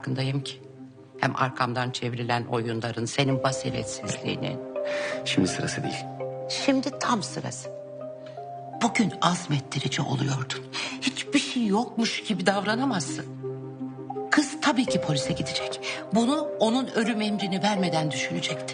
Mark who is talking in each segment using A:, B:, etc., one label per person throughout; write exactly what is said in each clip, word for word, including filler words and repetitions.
A: farkındayım ki. Hem arkamdan çevrilen oyunların, senin basiretsizliğinin.
B: Şimdi sırası değil.
A: Şimdi tam sırası. Bugün azmettirici oluyordun. Hiçbir şey yokmuş gibi davranamazsın. Kız tabii ki polise gidecek. Bunu onun ölüm emrini vermeden düşünecektin.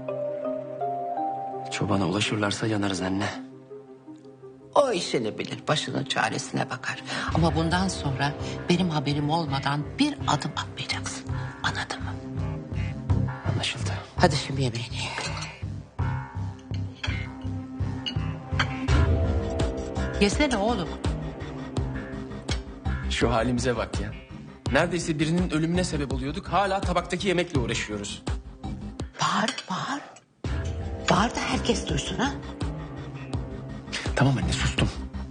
B: Çobana ulaşırlarsa yanarız anne.
A: O işini bilir, başının çaresine bakar. Ama bundan sonra benim haberim olmadan bir adım atmayacaksın. Anladın mı?
B: Anlaşıldı.
A: Hadi şimdi yemeğini ye. Yesene oğlum.
B: Şu halimize bak ya. Neredeyse birinin ölümüne sebep oluyorduk. Hala tabaktaki yemekle uğraşıyoruz.
A: Bağır, bağır. Bağır da herkes duysun ha.
B: Tamam anne, sustum.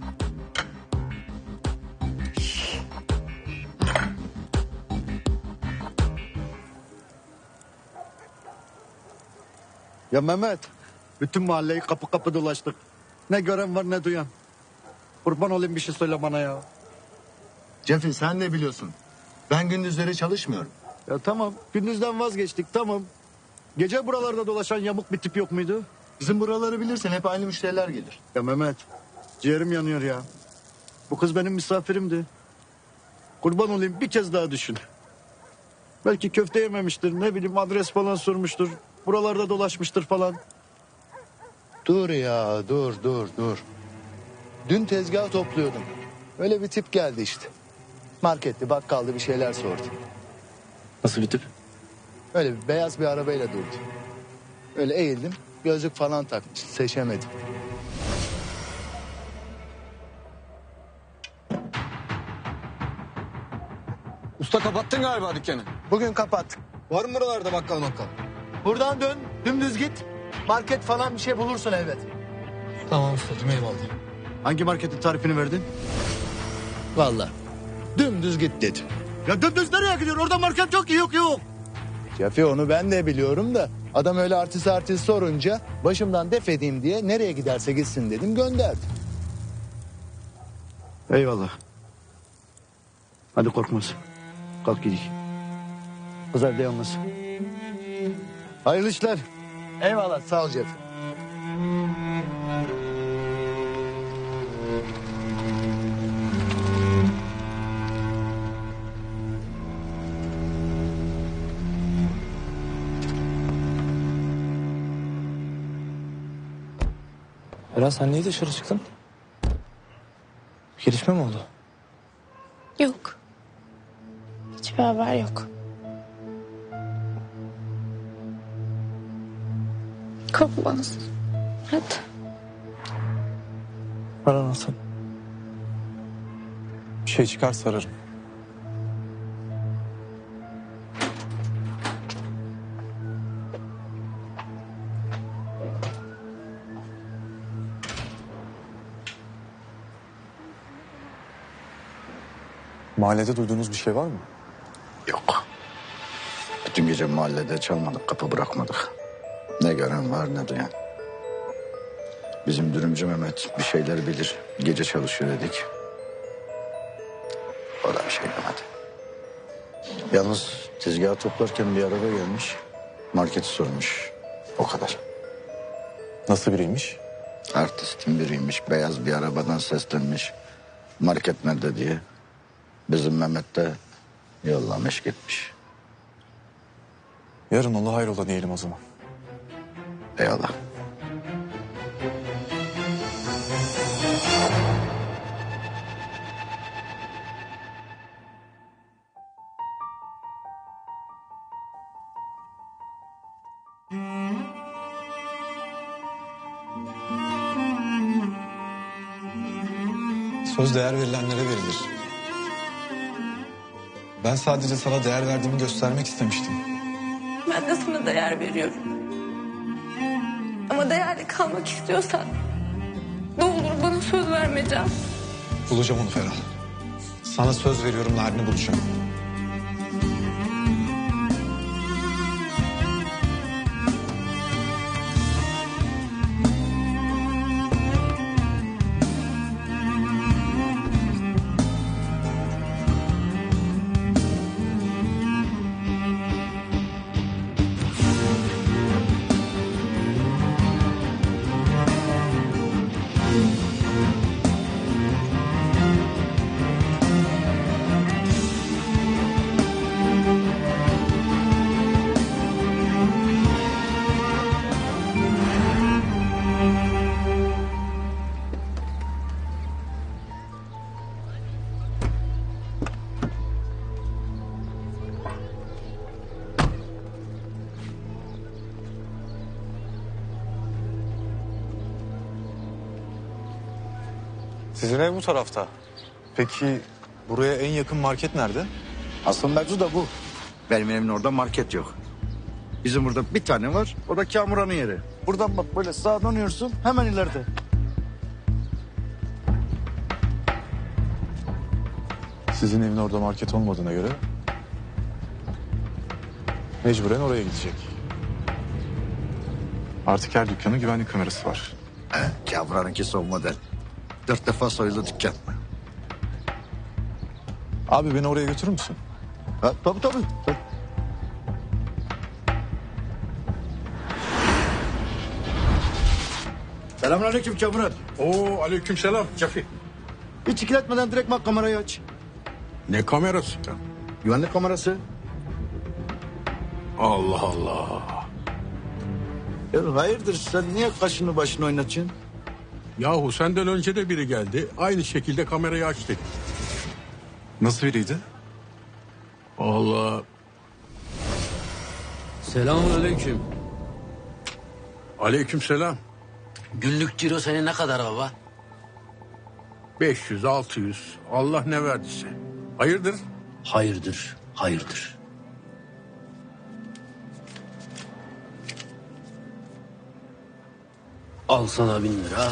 C: Ya Mehmet, bütün mahalleyi kapı kapı dolaştık. Ne gören var ne duyan. Kurban olayım, bir şey söyle bana ya.
D: Cefi sen ne biliyorsun? Ben gündüzleri çalışmıyorum.
C: Ya tamam, gündüzden vazgeçtik, tamam. Gece buralarda dolaşan yamuk bir tip yok muydu?
D: Bizim buraları bilirsin, hep aynı müşteriler gelir.
C: Ya Mehmet, ciğerim yanıyor ya. Bu kız benim misafirimdi. Kurban olayım, bir kez daha düşün. Belki köfte yememiştir, ne bileyim adres falan sormuştur. Buralarda dolaşmıştır falan.
D: Dur ya, dur, dur, dur. Dün tezgah topluyordum. Öyle bir tip geldi işte. Marketli, bakkaldı, bir şeyler sordu.
B: Nasıl bir tip?
D: Öyle bir beyaz bir arabayla durdu. Öyle eğildim, gözlük falan takmış, seçemedim.
E: Usta kapattın galiba dükkanı.
D: Bugün kapattık.
E: Var mı buralarda bakkal bakkal?
D: Buradan dön, dümdüz git. Market falan bir şey bulursun elbet.
E: Tamam ustacığım, eyvallah.
C: Hangi marketin tarifini verdin?
D: Vallahi dümdüz git dedim.
C: Ya dümdüz nereye gidiyor? Orada market yok ki, yok yok.
D: Cefi onu ben de biliyorum da adam öyle artist artist sorunca başımdan def edeyim diye nereye giderse gitsin dedim, gönderdim.
C: Eyvallah. Hadi Korkmaz. Kalk gidelim. Kız evde yalnız. Hayırlı işler.
D: Eyvallah, sağ ol Cefi.
E: Eren sen niye dışarı çıktın? Bir gelişme mi oldu?
F: Yok. Hiçbir haber yok. Korkmaz. Hadi.
E: Ara nasıl? Bir şey çıkarsa ararım. Mahallede duyduğunuz bir şey var mı?
G: Yok. Bütün gece mahallede çalmadık, kapı bırakmadık. Ne gören var ne duyan. Bizim dürümcü Mehmet bir şeyler bilir. Gece çalışıyor dedik. O da bir şey demedi. Yalnız tezgahı toplarken bir araba gelmiş. Marketi sormuş. O kadar.
E: Nasıl biriymiş?
G: Artistin biriymiş. Beyaz bir arabadan seslenmiş. Market nerede diye. Bizim Mehmet de yollamış gitmiş.
E: Yarın ola hayrola diyelim o zaman.
G: Eyvallah.
E: Söz değer verilenlere verilir. Ben sadece sana değer verdiğimi göstermek istemiştim.
F: Ben de sana değer veriyorum. Ama değerli kalmak istiyorsan ne olur bana söz verme Can.
E: Bulacağım onu Ferah. Sana söz veriyorum, Narin'i bulacağım.
H: Sizin ev bu tarafta. Peki buraya en yakın market nerede?
C: Asıl mevzu da bu. Benim evimin orada market yok. Bizim burada bir tane var. O da Kamuran'ın yeri. Buradan bak böyle sağa dönüyorsun hemen ileride.
H: Sizin evin orada market olmadığına göre mecburen oraya gidecek. Artık her dükkanın güvenlik kamerası var.
C: He, Kamuran'ınki son model. Dört defa soyuldu dükkan.
H: Abi beni oraya götürür müsün?
C: Ha, tabii tabii. tabii. Selamünaleyküm Kamuran.
I: Oo, aleykümselam Cafi.
C: Hiç ikiletmeden direkt bak kamerayı aç.
I: Ne kamerası ya?
C: Güvenlik kamerası.
I: Allah Allah.
C: Ya hayırdır sen niye kaşını başını oynatıyorsun?
I: Yahu senden önce de biri geldi. Aynı şekilde kamerayı aç dedi.
H: Nasıl biriydi?
I: Allah.
J: Selamünaleyküm.
I: Aleykümselam.
J: Günlük ciro senin ne kadar baba?
I: beş yüz altı yüz. Allah ne verdiyse. Hayırdır?
J: Hayırdır, hayırdır. Al sana bin lira.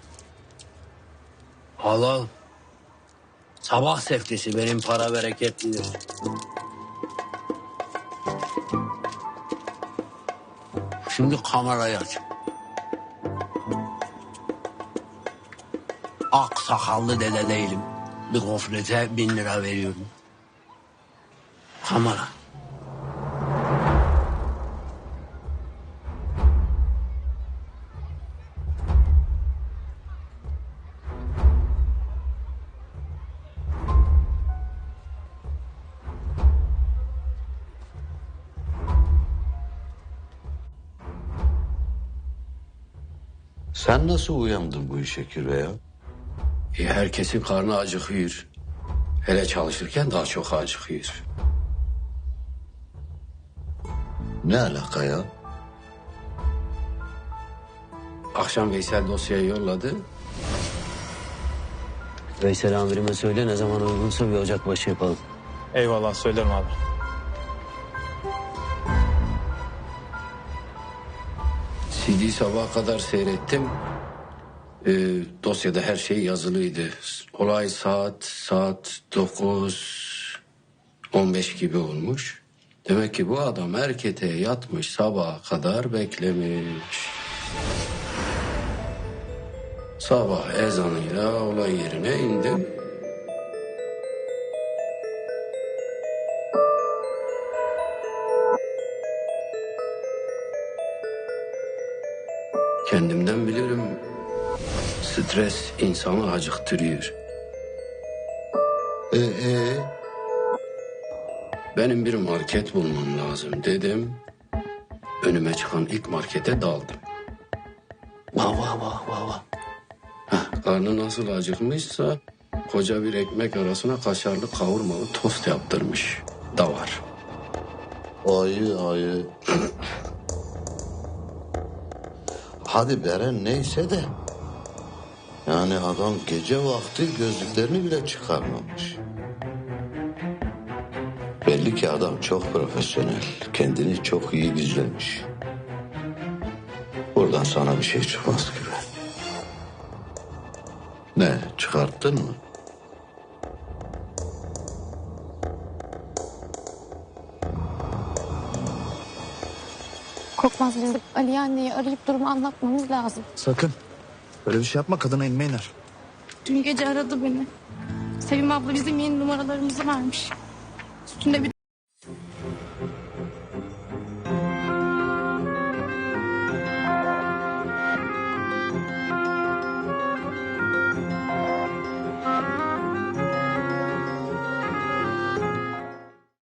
J: Al al. Sabah seftesi benim para bereketlidir. Şimdi kamerayı aç. Ak sakallı dede değilim. Bir gofrete bin lira veriyorum. Kamera.
K: Sen nasıl uyandın bu işe Kirve ya?
J: E, herkesin karnı acıkıyor. Hele çalışırken daha çok acıkıyor.
K: Ne alaka ya?
J: Akşam Veysel dosyayı yolladı. Veysel amirime söyle ne zaman uygunsa bir ocakbaşı yapalım.
E: Eyvallah söylerim abi.
J: C D'yi sabaha kadar seyrettim. Ee, dosyada her şey yazılıydı. Olay saat saat dokuz on beş gibi olmuş. Demek ki bu adam erkete yatmış, sabaha kadar beklemiş. Sabah ezanıyla olay yerine indim. Kendimden bilirim. Stres insanı acıktırıyor.
K: Ee, ee?
J: Benim bir market bulmam lazım dedim. Önüme çıkan ilk markete daldım. Vah vah vah vah vah. Heh, karnı nasıl acıkmışsa koca bir ekmek arasına kaşarlı kavurmalı tost yaptırmış. Da var.
K: Ayı ayı. Hadi Beren neyse de. Yani adam gece vakti gözlüklerini bile çıkarmamış. Belli ki adam çok profesyonel. Kendini çok iyi gizlemiş. Buradan sana bir şey çıkmaz gibi. Ne çıkarttın mı?
F: Korkmaz bizim Ali anneyi arayıp durumu anlatmamız lazım.
C: Sakın. Böyle bir şey yapma kadına inme iner.
F: Dün gece aradı beni. Sevim abla bizim yeni numaralarımızı vermiş. Üstünde bir